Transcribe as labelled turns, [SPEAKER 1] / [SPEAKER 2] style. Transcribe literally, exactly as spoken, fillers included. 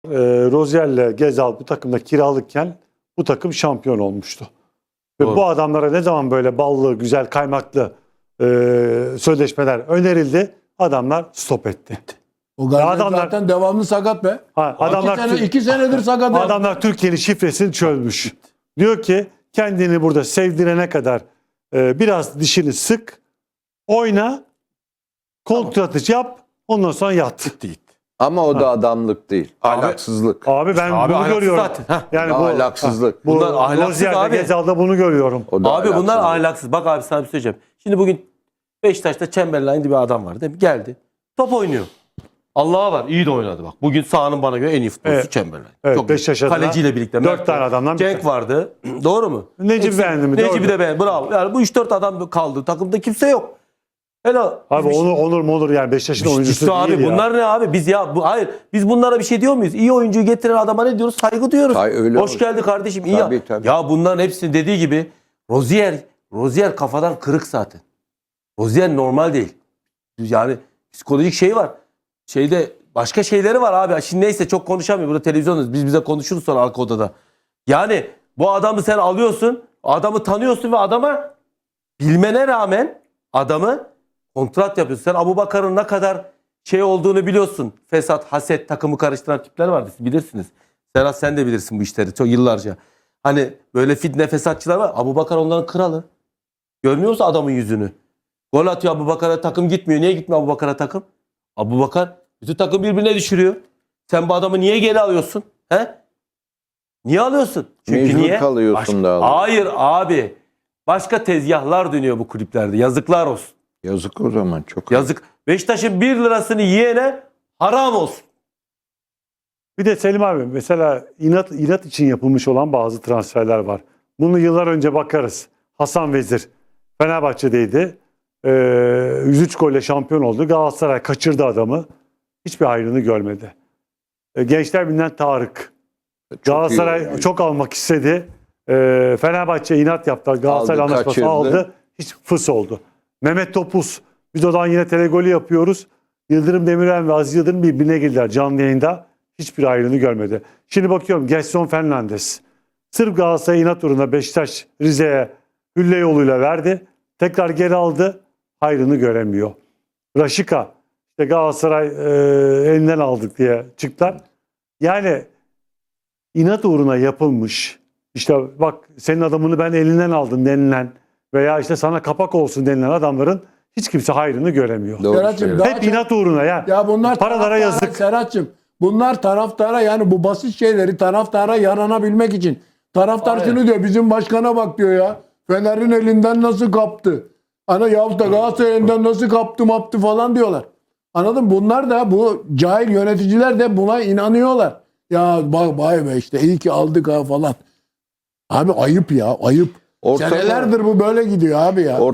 [SPEAKER 1] e, Rozier'le Gezal bu takımda kiralıkken bu takım şampiyon olmuştu. Ve
[SPEAKER 2] Doğru.
[SPEAKER 1] bu adamlara ne zaman böyle ballı, güzel, kaymaklı e, sözleşmeler önerildi, adamlar stop etti.
[SPEAKER 3] O Gaziler
[SPEAKER 1] adamlar-
[SPEAKER 3] zaten devamlı sakat be.
[SPEAKER 1] Ha,
[SPEAKER 3] Adamlar
[SPEAKER 1] adamlar
[SPEAKER 3] iki, sene, iki senedir sakat.
[SPEAKER 1] adamlar Türkiye'nin şifresini çözmüş. Diyor ki kendini burada sevdirene kadar e, biraz dişini sık, oyna, kontratı yap, ondan sonra yat.
[SPEAKER 2] Değil.
[SPEAKER 4] Ama o da adamlık değil.
[SPEAKER 2] Abi-
[SPEAKER 4] Ahlaksızlık.
[SPEAKER 1] Abi ben
[SPEAKER 2] Abi
[SPEAKER 1] bunu
[SPEAKER 2] ahlaksız
[SPEAKER 1] görüyorum.
[SPEAKER 2] zaten. Heh.
[SPEAKER 1] Yani
[SPEAKER 4] Ya
[SPEAKER 1] bu
[SPEAKER 4] ahlaksızlık.
[SPEAKER 1] Bu
[SPEAKER 2] Bunlar ahlaksız
[SPEAKER 1] Rozier'de,
[SPEAKER 2] abi.
[SPEAKER 1] Gezal'da bunu görüyorum.
[SPEAKER 4] O da
[SPEAKER 2] Abi bunlar
[SPEAKER 4] ahlaksızlık.
[SPEAKER 2] ahlaksız. Bak abi sana bir şey söyleyeceğim. Şimdi bugün Beşiktaş'ta Chamberlain diye bir adam var değil mi? Geldi. Top oynuyor. Allah'a var. İyi de oynadı bak. Bugün sahanın bana göre en iyi futbolcusu
[SPEAKER 1] Evet.
[SPEAKER 2] Chamberlain.
[SPEAKER 1] Evet,
[SPEAKER 2] Çok
[SPEAKER 1] Beşiktaş
[SPEAKER 2] iyi.
[SPEAKER 1] adına
[SPEAKER 2] Kaleciyle birlikte.
[SPEAKER 1] dört
[SPEAKER 2] Mert
[SPEAKER 1] tane
[SPEAKER 2] var.
[SPEAKER 1] adamdan bir
[SPEAKER 2] Cenk vardı. Doğru mu?
[SPEAKER 1] Necip beğendi mi?
[SPEAKER 2] Necip'i
[SPEAKER 1] Doğru.
[SPEAKER 2] de beğendi. Bravo. Yani bu üç dört adam kaldı. Takımda kimse yok. Helal.
[SPEAKER 1] Abi
[SPEAKER 2] Biz bir şey-
[SPEAKER 1] Onur, Onur mu olur yani Beşiktaş'ın oyuncusu
[SPEAKER 2] İşte
[SPEAKER 1] değil
[SPEAKER 2] abi
[SPEAKER 1] ya.
[SPEAKER 2] bunlar ne abi? Biz ya bu hayır. Biz bunlara bir şey diyor muyuz? İyi oyuncuyu getiren adama ne diyoruz? Saygı diyoruz.
[SPEAKER 4] Hay, öyle
[SPEAKER 2] Hoş
[SPEAKER 4] olsun.
[SPEAKER 2] geldi kardeşim. İyi
[SPEAKER 4] Tabii,
[SPEAKER 2] ya.
[SPEAKER 4] tabii.
[SPEAKER 2] Ya bunların hepsini dediği gibi Rozier, Rozier kafadan kırık zaten. Rozier normal değil. Yani psikolojik şey var. Şeyde başka şeyleri var abi. Şimdi neyse çok konuşamıyor. Burada televizyonuz. Biz bize konuşuruz sonra arka odada. Yani bu adamı sen alıyorsun. Adamı tanıyorsun ve adama bilmene rağmen adamı kontrat yapıyorsun. Sen Abubakar'ın ne kadar şey olduğunu biliyorsun. Fesat, haset, takımı karıştıran tipler vardı. Siz bilirsiniz. Serhat sen de bilirsin bu işleri çok yıllarca. Hani böyle fitne fesatçılar var. Abubakar onların kralı. Görmüyor musun adamın yüzünü? Gol atıyor Abubakar'a, takım gitmiyor. Niye gitmiyor Abubakar'a takım? Abubakar bütün takım birbirine düşürüyor. Sen bu adamı niye geri alıyorsun? He? Niye alıyorsun? Çünkü
[SPEAKER 4] Mecbur
[SPEAKER 2] niye?
[SPEAKER 4] kalıyorsun da alıyorsun.
[SPEAKER 2] Hayır abi. Başka tezgahlar dönüyor bu kulüplerde. Yazıklar olsun.
[SPEAKER 4] Yazık o zaman çok.
[SPEAKER 2] Yazık. Beşiktaş'ın bir lirasını yiyene haram olsun.
[SPEAKER 1] Bir de Selim abi mesela inat, inat için yapılmış olan bazı transferler var. Bunu yıllar önce bakarız. Hasan Vezir Fenerbahçe'deydi. Ee, yüz üç golle şampiyon oldu. Galatasaray kaçırdı adamı. Hiçbir hayrını görmedi. Ee, Gençler Birliği'nden Tarık.
[SPEAKER 4] Çok
[SPEAKER 1] Galatasaray
[SPEAKER 4] iyi oyuncu.
[SPEAKER 1] çok almak istedi. Ee, Fenerbahçe inat yaptı. Galatasaray
[SPEAKER 4] Aldı,
[SPEAKER 1] anlaşması
[SPEAKER 4] kaçırdı.
[SPEAKER 1] aldı. Hiç fıs oldu. Mehmet Topuz. Biz odan yine telegolü yapıyoruz. Yıldırım Demirel ve Aziz Yıldırım birbirine girdiler canlı yayında. Hiçbir ayrını görmedi. Şimdi bakıyorum Gerson Fernandes. Sırf Galatasaray inat uğruna Beşiktaş Rize'ye hülle yoluyla verdi. Tekrar geri aldı. Hayrını göremiyor. Raşika. İşte Galatasaray e, elinden aldık diye çıktılar. Yani inat uğruna yapılmış. İşte bak senin adamını ben elinden aldım denilen veya işte sana kapak olsun denilen adamların hiç kimse hayrını göremiyor.
[SPEAKER 4] Doğru
[SPEAKER 3] Serhat'cığım,
[SPEAKER 4] söylüyorsun.
[SPEAKER 3] daha
[SPEAKER 1] Hep
[SPEAKER 3] çok-
[SPEAKER 1] inat uğruna ya.
[SPEAKER 3] Ya bunlar
[SPEAKER 1] Paralara
[SPEAKER 3] taraftara-
[SPEAKER 1] yazık.
[SPEAKER 3] Serhat'cığım bunlar taraftara yani bu basit şeyleri taraftara yaranabilmek için. Taraftar
[SPEAKER 2] Aynen.
[SPEAKER 3] şunu diyor bizim başkana bak diyor ya. Fener'in elinden nasıl kaptı? Ana yahut da Galatasaray elinden nasıl kaptı maptı falan diyorlar. Anladın mı? Bunlar da bu cahil yöneticiler de buna inanıyorlar. Ya bak vay be işte iyi ki aldık ha falan. Abi ayıp ya ayıp.
[SPEAKER 4] Ortada-
[SPEAKER 3] Senelerdir bu böyle gidiyor abi ya.